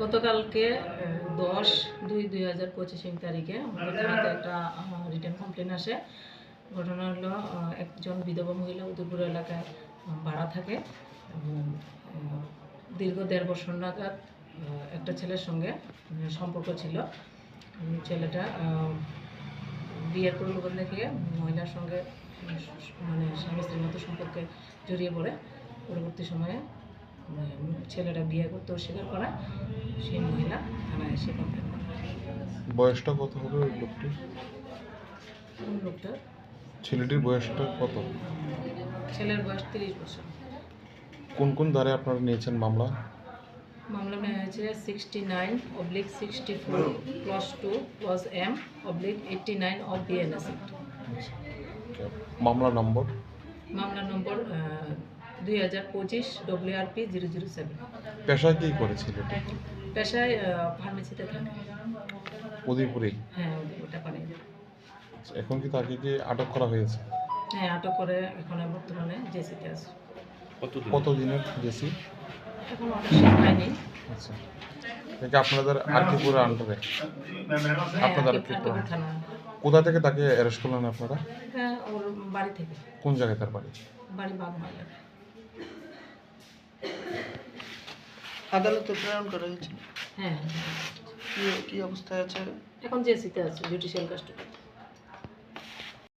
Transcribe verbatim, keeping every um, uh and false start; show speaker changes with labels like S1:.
S1: গতকালকে দশ দুই দুই হাজার পঁচিশ তারিখে আমাদের থানাতে একটা রিটার্ন কমপ্লেন আসে। ঘটনা হলো একজন বিধবা মহিলা উদয়পুর এলাকায় ভাড়া থাকে এবং দীর্ঘ দেড় বছর নাগাদ একটা ছেলের সঙ্গে সম্পর্ক ছিল। ছেলেটা বিয়ের প্রলোভন দেখিয়ে মহিলার সঙ্গে মানে স্বামী স্ত্রীর মতো সম্পর্কে জড়িয়ে পড়ে। পরবর্তী সময়ে ছেলেটা বিয়ে করতে অস্বীকার করা, সেই মহিলা থানায় এসে কমপ্লেন করে।
S2: বয়সটা কত হবে ওই লোকটির?
S1: কোন লোকটার?
S2: ছেলেটির বয়সটা কত?
S1: ছেলের বয়স তিরিশ বছর।
S2: কোন কোন ধারে আপনারা নিয়েছেন মামলা?
S1: মামলা নেওয়া হয়েছে sixty nine oblique sixty four plus two plus M oblique eighty nine of BNS.
S2: মামলা নম্বর?
S1: মামলা নম্বর দুই হাজার পঁচিশ W R P zero zero seven.
S2: পেশায় কী করে ছেলেটি?
S1: পেশায় ফার্মেসিতে থাকে।
S2: উদয়পুরে?
S1: হ্যাঁ, ওটা পারে।
S2: এখন কি তাকে কি আটক করা হয়েছে?
S1: হ্যাঁ, আটক করে এখন বর্তমানে জেসিতে আছে।
S2: কত দিনের জেসি?
S1: এখন অনেক সময় হয়নি।
S2: আচ্ছা, এটা আপনাদের আরকিপুরের আন্ডারে? আপনাদের আরকিপুর
S1: থানা।
S2: কোথা থেকে তাকে অ্যারেস্ট করলেন আপনারা?
S1: হ্যাঁ, ওর বাড়ি থেকে।
S2: কোন জায়গায় তার বাড়ি?
S1: বাড়ি বাগমারা।
S3: আদালতে প্রেরণ করা হয়েছে?
S1: হ্যাঁ।
S3: কি কি অবস্থায় আছে?
S1: এখন জেসিতে আছে, জুডিশিয়াল কাস্টডি।